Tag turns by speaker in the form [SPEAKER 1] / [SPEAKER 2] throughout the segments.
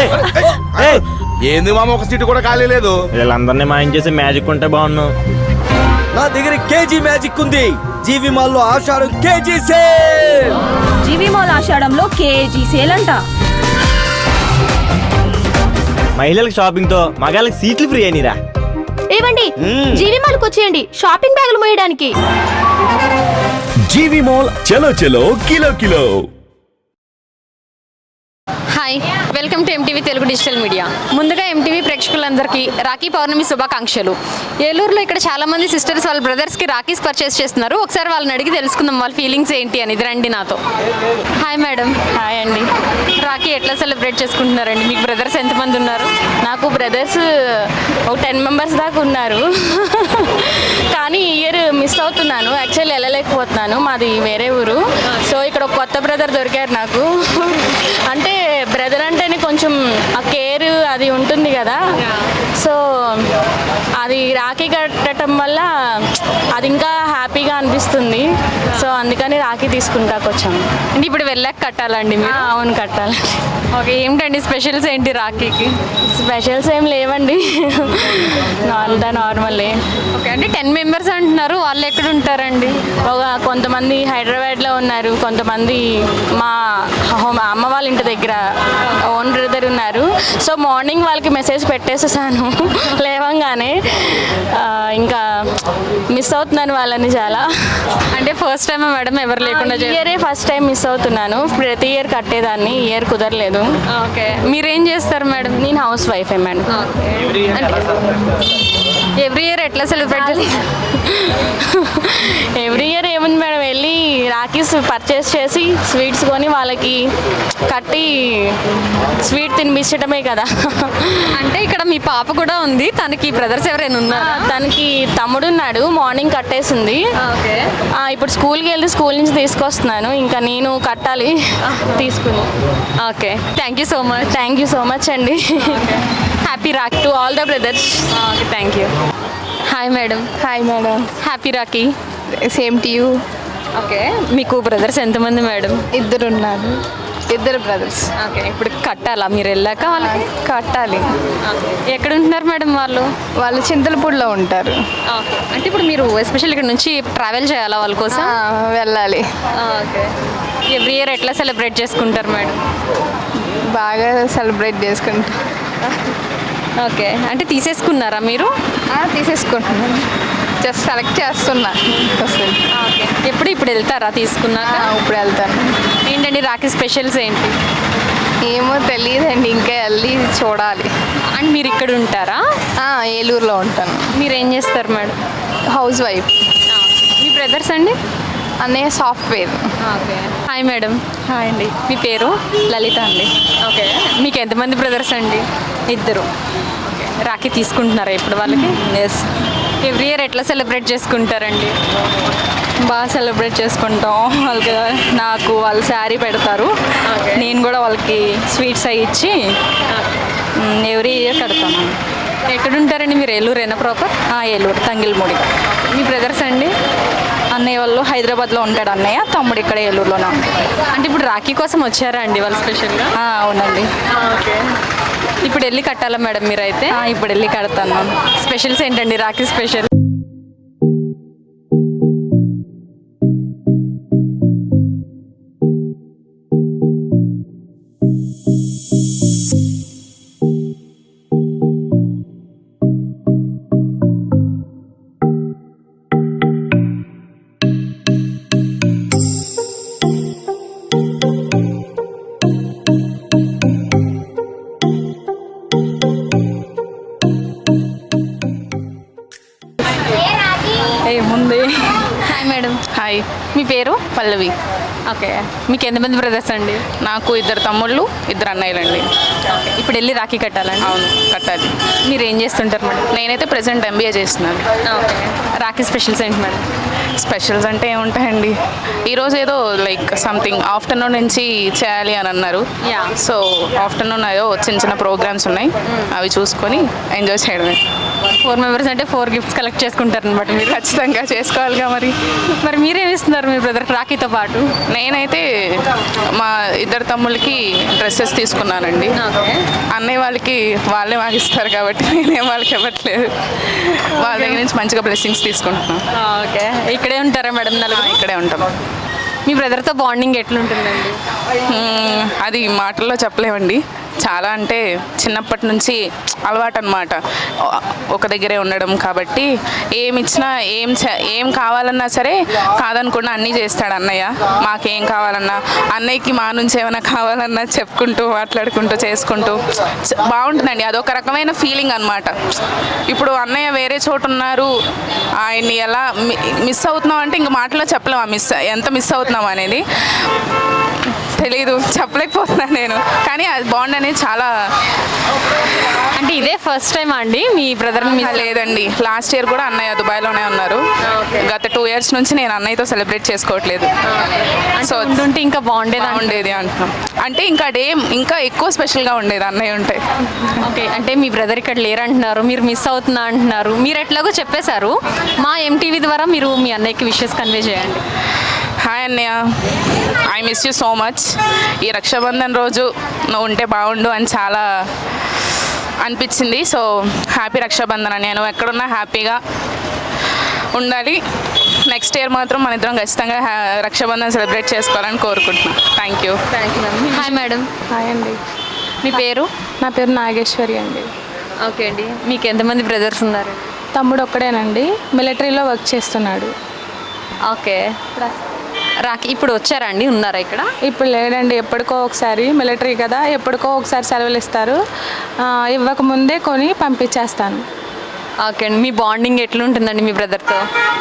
[SPEAKER 1] ఏంది మామ, ఒక సీటు కూడా ఖాళీ లేదు.
[SPEAKER 2] వీళ్ళందరినీ మాయం చేసి మ్యాజిక్ ఉంటే బాగున్నావు.
[SPEAKER 3] నా దగ్గర కేజీ మ్యాజిక్ ఉంది. జీవి మాల్లో ఆషాఢం కేజీ సేల్.
[SPEAKER 4] జీవి మాల్ ఆషాఢంలో కేజీ సేల్ అంట.
[SPEAKER 2] మహిళలకు షాపింగ్ తో మగాళ్ళకి సీట్లు ఫ్రీ అయినరా.
[SPEAKER 5] ఏవండి, జీవి మాల్కి వచ్చేయండి షాపింగ్ బ్యాగులు మోయడానికి.
[SPEAKER 6] జీవి మాల్ చలో చలో kilo kilo.
[SPEAKER 7] Hi, welcome to MTV Telugu digital media. ముందుగా ఎంటీవీ ప్రేక్షకులందరికీ రాఖీ పౌర్ణమి శుభాకాంక్షలు. ఏలూరులో ఇక్కడ చాలా మంది సిస్టర్స్ వాళ్ళ బ్రదర్స్కి రాఖీస్ పర్చేస్ చేస్తున్నారు. ఒకసారి వాళ్ళని అడిగి తెలుసుకుందాం వాళ్ళ ఫీలింగ్స్ ఏంటి అని. ఇది రండి నాతో. Hi madam.
[SPEAKER 5] హాయ్ అండి.
[SPEAKER 7] రాఖీ ఎట్లా సెలబ్రేట్ చేసుకుంటున్నారండి? మీకు బ్రదర్స్ ఎంతమంది ఉన్నారు?
[SPEAKER 5] నాకు బ్రదర్స్ ఒక 10 మెంబర్స్ దాకా ఉన్నారు. కానీ ఈ ఇయర్ మిస్ అవుతున్నాను. యాక్చువల్లీ వెళ్ళలేకపోతున్నాను, మాది వేరే ఊరు. సో ఇక్కడ ఒక కొత్త బ్రదర్ దొరికారు నాకు. అంటే బ్రదర్ అంటేనే కొంచెం ఆ కేర్ అది ఉంటుంది కదా. సో అది రాఖీ కట్టడం వల్ల అది ఇంకా హ్యాపీగా అనిపిస్తుంది. సో అందుకని రాఖీ తీసుకుంటాకు వచ్చాము.
[SPEAKER 7] అంటే ఇప్పుడు వెళ్ళాక కట్టాలండి మీరు?
[SPEAKER 5] అవును, కట్టాలి.
[SPEAKER 7] ఓకే, ఏమిటండి స్పెషల్స్ ఏంటి రాఖీకి?
[SPEAKER 5] స్పెషల్స్ ఏం లేవండి, అంతా నార్మలే.
[SPEAKER 7] ఓకే, అంటే 10 మెంబర్స్ అంటున్నారు, వాళ్ళు ఎక్కడ ఉంటారండి?
[SPEAKER 5] కొంతమంది హైదరాబాద్లో ఉన్నారు, కొంతమంది మా అమ్మ వాళ్ళ ఇంటి దగ్గర ఓన్ బ్రదర్ ఉన్నారు. సో మార్నింగ్ వాళ్ళకి మెసేజ్ పెట్టేసేసాను లేవంగానే. ఇంకా మిస్ అవుతున్నాను వాళ్ళని చాలా.
[SPEAKER 7] అంటే ఫస్ట్ టైం మేడం ఎవరు లేకుండా?
[SPEAKER 5] ఇయరే ఫస్ట్ టైం మిస్ అవుతున్నాను. ప్రతి ఇయర్ కట్టేదాన్ని, ఇయర్ కుదరలేదు.
[SPEAKER 7] ఓకే, మీరేం చేస్తారు మేడం?
[SPEAKER 5] నేను హౌస్ వైఫే మేడం.
[SPEAKER 7] ఎవ్రీ ఇయర్ ఎట్లా సెలబ్రేట్ చేస్తారు?
[SPEAKER 5] ఎవ్రీ ఇయర్ ఏముంది మేడం, వెళ్ళి రాఖీస్ పర్చేస్ చేసి స్వీట్స్ కొని వాళ్ళకి కట్టి స్వీట్ తినిపించడమే కదా.
[SPEAKER 7] అంటే ఇక్కడ మీ పాప కూడా ఉంది, తనకి బ్రదర్స్ ఎవరైనా ఉన్నారా?
[SPEAKER 5] తనకి తమ్ముడు ఉన్నాడు, మార్నింగ్ కట్టేసింది.
[SPEAKER 7] ఓకే,
[SPEAKER 5] ఇప్పుడు స్కూల్కి వెళ్ళి స్కూల్ నుంచి తీసుకొస్తున్నాను. ఇంకా నేను కట్టాలి తీసుకుని.
[SPEAKER 7] Okay, thank you so much.
[SPEAKER 5] Thank you so much అండి. Happy Rakhi to all the brothers.
[SPEAKER 7] Okay, thank you. Hi madam.
[SPEAKER 5] Hi madam.
[SPEAKER 7] Happy Rakhi.
[SPEAKER 5] Same to you.
[SPEAKER 7] Okay, మీకు బ్రదర్స్ ఎంతమంది మేడం?
[SPEAKER 5] ఇద్దరు ఉన్నారు, ఇద్దరు బ్రదర్స్.
[SPEAKER 7] ఓకే, ఇప్పుడు కట్టాలా మీరు వెళ్ళాక? వాళ్ళకి
[SPEAKER 5] కట్టాలి.
[SPEAKER 7] ఎక్కడ ఉంటున్నారు మేడం వాళ్ళు?
[SPEAKER 5] వాళ్ళు చింతలపూడిలో ఉంటారు.
[SPEAKER 7] ఓకే, అంటే ఇప్పుడు మీరు ఎస్పెషల్ ఇక్కడ నుంచి ట్రావెల్ చేయాలా వాళ్ళ కోసం?
[SPEAKER 5] వెళ్ళాలి.
[SPEAKER 7] ఓకే, ఎవ్రీ ఇయర్ ఎట్లా సెలబ్రేట్ చేసుకుంటారు మేడం?
[SPEAKER 5] బాగా సెలబ్రేట్ చేసుకుంటాం.
[SPEAKER 7] ఓకే, అంటే తీసేసుకున్నారా మీరు?
[SPEAKER 5] తీసేసుకుంటున్నాను, జస్ట్ సెలెక్ట్ చేస్తున్నా.
[SPEAKER 7] ఓకే, ఇప్పుడు వెళ్తారా తీసుకున్నాక?
[SPEAKER 5] ఇప్పుడు వెళ్తాను.
[SPEAKER 7] ఏంటండి రాఖీ స్పెషల్స్ ఏంటి?
[SPEAKER 5] ఏమో తెలియదండి, ఇంకా వెళ్ళి చూడాలి.
[SPEAKER 7] అండ్ మీరు ఇక్కడ ఉంటారా?
[SPEAKER 5] ఏలూరులో ఉంటాను.
[SPEAKER 7] మీరు ఏం చేస్తారు మేడం?
[SPEAKER 5] House wife.
[SPEAKER 7] మీ బ్రదర్స్ అండి?
[SPEAKER 5] అన్నయ్య software.
[SPEAKER 7] Okay, hi madam.
[SPEAKER 5] Hi అండి.
[SPEAKER 7] మీ పేరు?
[SPEAKER 5] లలిత అండి.
[SPEAKER 7] ఓకే, మీకు ఎంతమంది బ్రదర్స్ అండి?
[SPEAKER 5] ఇద్దరు.
[SPEAKER 7] ఓకే, రాఖీ తీసుకుంటున్నారా ఇప్పుడు వాళ్ళకి?
[SPEAKER 5] ఎస్.
[SPEAKER 7] ఎవ్రీ ఇయర్ ఎట్లా సెలబ్రేట్ చేసుకుంటారండి?
[SPEAKER 5] బాగా సెలబ్రేట్ చేసుకుంటాం. వాళ్ళకి నాకు వాళ్ళు శారీ పెడతారు, నేను కూడా వాళ్ళకి స్వీట్స్ అవి ఇచ్చి ఎవ్రీ ఇయర్ కడతాను.
[SPEAKER 7] ఎక్కడ ఉంటారండి మీరు? ఏలూరేనా ప్రాపర్?
[SPEAKER 5] ఏలూరు, తంగిల్మూడి.
[SPEAKER 7] మీ బ్రదర్స్ అండి?
[SPEAKER 5] అన్నయ్య వాళ్ళు హైదరాబాద్లో ఉంటాడు అన్నయ్య, తమ్ముడు ఇక్కడ ఏలూరులోనే ఉంటాడు.
[SPEAKER 7] అంటే ఇప్పుడు రాఖీ కోసం వచ్చారా అండి వాళ్ళు స్పెషల్గా?
[SPEAKER 5] అవునండి.
[SPEAKER 7] ఓకే, ఇప్పుడు వెళ్ళి కట్టాలా మేడం మీరైతే?
[SPEAKER 5] ఇప్పుడు వెళ్ళి కడతాను.
[SPEAKER 7] స్పెషల్స్ ఏంటండి రాఖీ స్పెషల్?
[SPEAKER 5] ఏముంది.
[SPEAKER 7] Hi madam.
[SPEAKER 5] హాయ్.
[SPEAKER 7] మీ పేరు?
[SPEAKER 5] పల్లవి.
[SPEAKER 7] ఓకే, మీకు ఎంతమంది బ్రదర్స్ అండి?
[SPEAKER 5] నాకు ఇద్దరు తమ్ముళ్ళు, ఇద్దరు అన్నయ్యలండి.
[SPEAKER 7] ఓకే, ఇప్పుడు వెళ్ళి రాఖీ కట్టాలండి?
[SPEAKER 5] అవును, కట్టాలి.
[SPEAKER 7] మీరు ఏం చేస్తుంటారు మేడం?
[SPEAKER 5] నేనైతే ప్రెసెంట్ ఎంబీఏ చేస్తున్నాను.
[SPEAKER 7] ఓకే, రాఖీ స్పెషల్స్ ఏంటి మేడం?
[SPEAKER 5] స్పెషల్స్ అంటే ఏముంటాయండి, ఈరోజు ఏదో లైక్ సంథింగ్ ఆఫ్టర్నూన్ నుంచి చేయాలి అని అన్నారు. సో ఆఫ్టర్నూన్ ఏదో చిన్న చిన్న ప్రోగ్రామ్స్ ఉన్నాయి, అవి చూసుకొని ఎంజాయ్ చేయడమే.
[SPEAKER 7] 4 మెంబర్స్ అంటే 4 గిఫ్ట్స్ కలెక్ట్ చేసుకుంటారు అనమాట మీరు.
[SPEAKER 8] ఖచ్చితంగా చేసుకోవాలిగా మరి.
[SPEAKER 7] మరి మీరేమి ఇస్తున్నారు మీ బ్రదర్కి రాఖీతో పాటు?
[SPEAKER 8] నేనైతే మా ఇద్దరు తమ్ముళ్ళకి డ్రెస్సెస్ తీసుకున్నానండి. అన్నయ్య వాళ్ళకి వాళ్ళే మాకు ఇస్తారు కాబట్టి నేనేం వాళ్ళకి ఇవ్వట్లేదు. వాళ్ళ దగ్గర నుంచి మంచిగా బ్లెస్సింగ్స్ తీసుకుంటున్నాను.
[SPEAKER 7] ఓకే, ఇక్కడే ఉంటారా మేడం?
[SPEAKER 8] ఇక్కడే ఉంటాం.
[SPEAKER 7] మీ బ్రదర్తో బాండింగ్ ఎట్లుంటుందండి?
[SPEAKER 8] అది మాటల్లో చెప్పలేమండి. చాలా అంటే చిన్నప్పటి నుంచి అలవాటు అనమాట. ఒక దగ్గరే ఉండడం కాబట్టి ఏమి ఇచ్చినా ఏం కావాలన్నా సరే కాదనకుండా అన్నీ చేస్తాడు అన్నయ్య. మాకేం కావాలన్నా అన్నయ్యకి మా నుంచి ఏమైనా కావాలన్నా చెప్పుకుంటూ మాట్లాడుకుంటూ చేసుకుంటూ బాగుంటుందండి. అదొక రకమైన ఫీలింగ్ అనమాట. ఇప్పుడు అన్నయ్య వేరే చోటు ఉన్నారు, ఆయన్ని ఎలా మిస్ అవుతున్నాం అంటే ఇంక మాటలో చెప్పలేము. ఎంత మిస్ అవుతున్నాం అనేది తెలీదు, చెప్పలేకపోతున్నాను నేను. కానీ అది బాండ్ అనేది చాలా.
[SPEAKER 7] అంటే ఇదే ఫస్ట్ టైం అండి మీ బ్రదర్ని?
[SPEAKER 8] లేదండి, లాస్ట్ ఇయర్ కూడా అన్నయ్య దుబాయ్లోనే ఉన్నారు. గత 2 years నుంచి నేను అన్నయ్యతో సెలబ్రేట్ చేసుకోవట్లేదు.
[SPEAKER 7] సో ఉంటే ఇంకా
[SPEAKER 8] ఉండేది అంటున్నాం. అంటే ఇంకా డే ఇంకా ఎక్కువ స్పెషల్గా ఉండేది అన్నయ్య ఉంటే.
[SPEAKER 7] ఓకే, అంటే మీ బ్రదర్ ఇక్కడ లేరు అంటున్నారు, మీరు మిస్ అవుతున్నా అంటున్నారు. మీరు ఎట్లాగో చెప్పేశారు, మా MTV ద్వారా మీరు మీ అన్నయ్యకి విషెస్ కన్వే చేయండి.
[SPEAKER 8] హాయ్ అన్నయ్య, I miss you so much. ఈ రక్షాబంధన్ రోజు నువ్వు ఉంటే బాగుండు అని చాలా అనిపించింది. సో హ్యాపీ రక్షాబంధన్ అన్నయ్య. నువ్వు ఎక్కడున్నా హ్యాపీగా ఉండాలి. నెక్స్ట్ ఇయర్ మాత్రం మన ఇద్దరం ఖచ్చితంగా రక్షాబంధన్ సెలబ్రేట్ చేసుకోవాలని కోరుకుంటున్నాను. Thank you.
[SPEAKER 7] Hi madam.
[SPEAKER 9] Hi అండి.
[SPEAKER 7] మీ పేరు?
[SPEAKER 9] నా పేరు నాగేశ్వరి అండి.
[SPEAKER 7] ఓకే అండి, మీకు ఎంతమంది బ్రదర్స్ ఉన్నారు?
[SPEAKER 9] తమ్ముడు ఒక్కడేనండి, మిలిటరీలో వర్క్ చేస్తున్నాడు.
[SPEAKER 7] ఓకే, రాఖీ ఇప్పుడు వచ్చారా అండి? ఉన్నారా ఇక్కడ?
[SPEAKER 9] ఇప్పుడు లేడండి, ఎప్పటికో ఒకసారి, మిలిటరీ కదా, ఎప్పటికో ఒకసారి సెలవులు ఇస్తారు. ఇవ్వకముందే కొని పంపించేస్తాను.
[SPEAKER 7] ఓకే అండి, మీ బాండింగ్ ఎట్లుంటుందండి మీ బ్రదర్తో?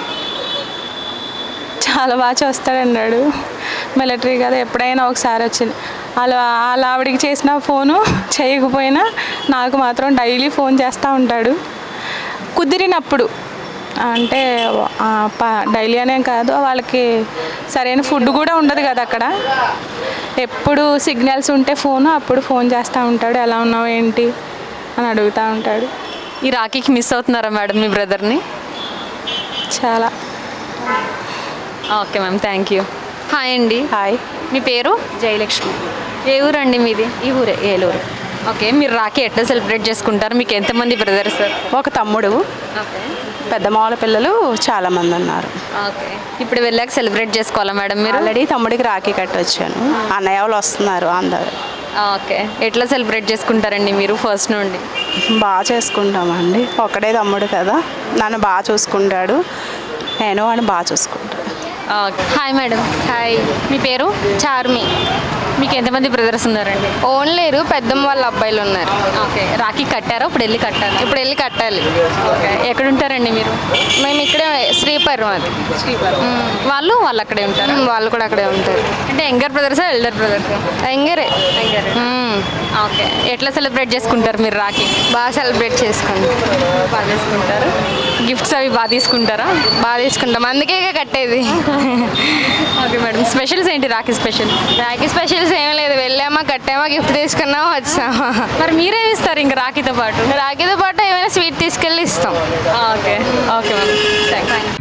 [SPEAKER 9] చాలా బాగా చూస్తాడన్నాడు. మిలిటరీ కదా, ఎప్పుడైనా ఒకసారి వచ్చింది. వాళ్ళ ఆవిడికి చేసిన ఫోను చేయకపోయినా నాకు మాత్రం డైలీ ఫోన్ చేస్తూ ఉంటాడు. కుదిరినప్పుడు, అంటే డైలీ అనే కాదు, వాళ్ళకి సరైన ఫుడ్ కూడా ఉండదు కదా అక్కడ. ఎప్పుడు సిగ్నల్స్ ఉంటే అప్పుడు ఫోన్ చేస్తూ ఉంటాడు, ఎలా ఉన్నావు ఏంటి అని అడుగుతూ ఉంటాడు.
[SPEAKER 7] ఈ రాఖీకి మిస్ అవుతున్నారా మేడం మీ బ్రదర్ని?
[SPEAKER 9] చాలా.
[SPEAKER 7] Okay ma'am, thank you. Hi అండి.
[SPEAKER 9] హాయ్.
[SPEAKER 7] మీ పేరు?
[SPEAKER 9] జయలక్ష్మి.
[SPEAKER 7] ఏ ఊరండి మీది?
[SPEAKER 9] ఈ ఊరే, ఏలూరు.
[SPEAKER 7] ఓకే, మీరు రాఖీ ఎట్లా సెలబ్రేట్ చేసుకుంటారు? మీకు ఎంతమంది బ్రదర్స్?
[SPEAKER 9] ఒక తమ్ముడు,
[SPEAKER 7] ఓకే.
[SPEAKER 9] పెద్ద మామూలు పిల్లలు చాలామంది ఉన్నారు.
[SPEAKER 7] ఓకే, ఇప్పుడు వెళ్ళాక సెలబ్రేట్ చేసుకోవాలా మేడం మీరు?
[SPEAKER 9] ఆల్రెడీ తమ్ముడికి రాఖీ కట్టొచ్చాను. అన్నయ్య వాళ్ళు వస్తున్నారు అందరు.
[SPEAKER 7] ఓకే, ఎట్లా సెలబ్రేట్ చేసుకుంటారండి మీరు ఫస్ట్ నుండి?
[SPEAKER 9] బాగా చేసుకుంటామండి. ఒక్కడే తమ్ముడు కదా, నన్ను బాగా చూసుకుంటాడు, నేను అని బాగా చూసుకుంటాను.
[SPEAKER 7] ఓకే. Hi madam.
[SPEAKER 5] హాయ్.
[SPEAKER 7] మీ పేరు?
[SPEAKER 5] చార్మి.
[SPEAKER 7] మీకు ఎంతమంది బ్రదర్స్ ఉన్నారండి?
[SPEAKER 5] ఓన్ లేరు, పెద్దమ్మ వాళ్ళ అబ్బాయిలు ఉన్నారు.
[SPEAKER 7] ఓకే, రాఖీ కట్టారా? ఇప్పుడు వెళ్ళి కట్టాలి.
[SPEAKER 5] ఇప్పుడు వెళ్ళి కట్టాలి.
[SPEAKER 7] ఓకే, ఎక్కడ ఉంటారండి మీరు?
[SPEAKER 5] మేము ఇక్కడే శ్రీపర్వం. అది
[SPEAKER 7] వాళ్ళు అక్కడే ఉంటారు?
[SPEAKER 5] వాళ్ళు కూడా అక్కడే ఉంటారు.
[SPEAKER 7] అంటే యంగర్ బ్రదర్సా ఎల్డర్ బ్రదర్సా?
[SPEAKER 5] ఎంగరే.
[SPEAKER 7] ఓకే, ఎట్లా సెలబ్రేట్ చేసుకుంటారు మీరు రాఖీ?
[SPEAKER 5] బాగా సెలబ్రేట్ చేసుకోండి.
[SPEAKER 7] బాగా చేసుకుంటారు. గిఫ్ట్స్ అవి బాగా తీసుకుంటారా?
[SPEAKER 5] బాగా తీసుకుంటాం, అందుకే కట్టేది.
[SPEAKER 7] ఓకే మేడం, స్పెషల్స్ ఏంటి రాఖీ స్పెషల్?
[SPEAKER 5] రాఖీ స్పెషల్స్ ఏం లేదు, వెళ్ళామా కట్టామా గిఫ్ట్ తీసుకున్నామా వచ్చామా.
[SPEAKER 7] మరి మీరేమి ఇస్తారు ఇంకా రాఖీతో పాటు?
[SPEAKER 5] రాఖీతో పాటు ఏమైనా స్వీట్ తీసుకెళ్ళి ఇస్తాం.
[SPEAKER 7] Okay okay madam, thanks.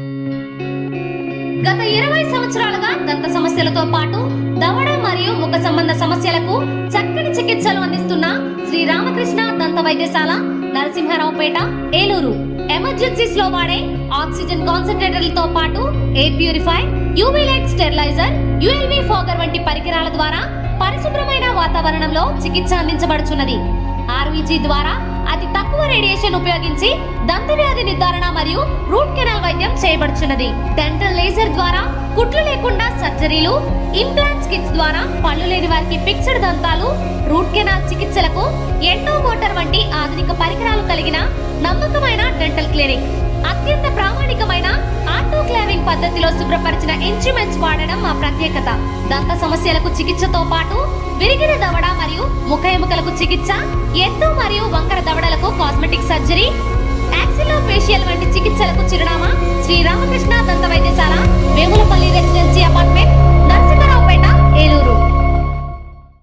[SPEAKER 10] గత 20 సంవత్సరాలుగా దంత సమస్యలతో పాటు దవడ మరియు ముఖ సంబంధ సమస్యలకు చక్కని చికిత్సలు అందిస్తున్న శ్రీ రామకృష్ణ దంత వైద్యశాల, నరసింహారావుపేట, ఏలూరు. ఎమర్జెన్సీస్ లో వాడే ఆక్సిజన్ కాన్సంట్రేటర్లతో పాటు air purifier, UV light sterilizer, ULV fogger వంటి పరికరాల ద్వారా పరిశుభ్రమైన వాతావరణంలో చికిత్స అందించబడుచున్నది. RVG ద్వారా అతి తక్కువ రేడియేషన్ ఉపయోగించి దంత వ్యాధి నిర్ధారణ మరియు రూట్ కెనాల్ వైద్యం చేయబడుచున్నది. డెంటల్ లేజర్ ద్వారా కుట్లు లేకుండా సర్జరీలు, ఇంప్లాంట్స్ కిట్స్ ద్వారా పళ్ళు లేని వారికి ఫిక్స్డ్ దంతాలు, రూట్ కెనాల్ చికిత్సలకు ఎండో మోటార్ వంటి ఆధునిక పరికరాలు కలిగిన నమ్మకమైన డెంటల్ క్లినిక్. అత్యంత ప్రామాణికమైన ఆటోక్లావింగ్ పద్ధతిలో శుభ్రపరిచిన ఇన్స్ట్రుమెంట్స్ వాడడం మా ప్రత్యేకత. దంత సమస్యలకు చికిత్సతో పాటు విరిగిన దవడ మరియు ముఖ ఎముకలకు చికిత్స, ఎత్తు మరియు వంకర దవడలకు కాస్మెటిక్ సర్జరీ, యాక్సిలో ఫేషియల్ వంటి చికిత్సలకు చిరునామా శ్రీ రామకృష్ణ దంత వైద్యశాల, వేములపల్లి రెసిడెన్సీ అపార్ట్మెంట్, నరసింహారావుపేట, ఏలూరు.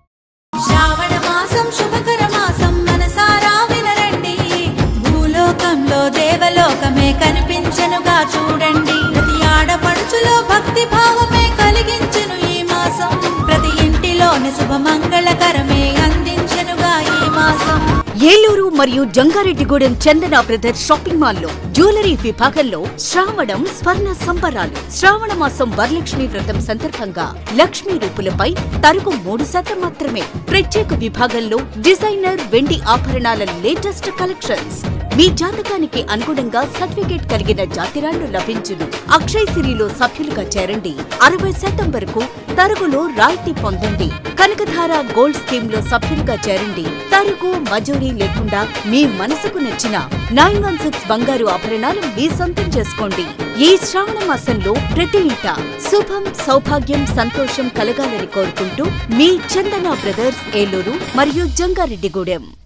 [SPEAKER 11] శ్రావణ మాసం శుభకర మాసం, మనసారా వినరండి. భూలోకం మాసంలో దేవలోకమే కనిపించెనుగా చూడండి. ప్రతి ఆడపడుచులో భక్తి భావమే కలిగించెను ఈ మాసం. ప్రతి ఇంటిలోని శుభమంగళకరమే అందించెనుగా ఈ మాసం.
[SPEAKER 12] ఏలూరు మరియు జంగారెడ్డిగూడెం చందన బ్రదర్స్ షాపింగ్ మాల్లో జ్యువెలరీ విభాగంలో శ్రావణం స్వర్ణ సంబరాలు. శ్రావణ మాసం వరలక్ష్మి వ్రతం సందర్భంగా లక్ష్మీ రూపులపై తరుగు 3% మాత్రమే. ప్రత్యేక విభాగంలో డిజైనర్ వెండి ఆభరణాల లేటెస్ట్ కలెక్షన్స్. మీ జాతకానికి అనుగుణంగా సర్టిఫికేట్ కలిగిన జాతిరాళ్లు లభించును. అక్షయ్ సిరిలో సభ్యులుగా చేరండి. 60% వరకు తరుగులో రాయితీ పొందండి. కనకధార గోల్డ్ స్కీమ్ లో సభ్యులుగా చేరండి. తరుగు మజూరీ లేకుండా మీ మనసుకు నచ్చిన 916 బంగారు ఆభరణాలు మీ సొంతం చేసుకోండి. ఈ శ్రావణ మాసంలో ప్రతి ఇంట శుభం, సౌభాగ్యం, సంతోషం కలగాలని కోరుకుంటూ మీ చందన బ్రదర్స్ ఏలూరు మరియు జంగారెడ్డిగూడెం.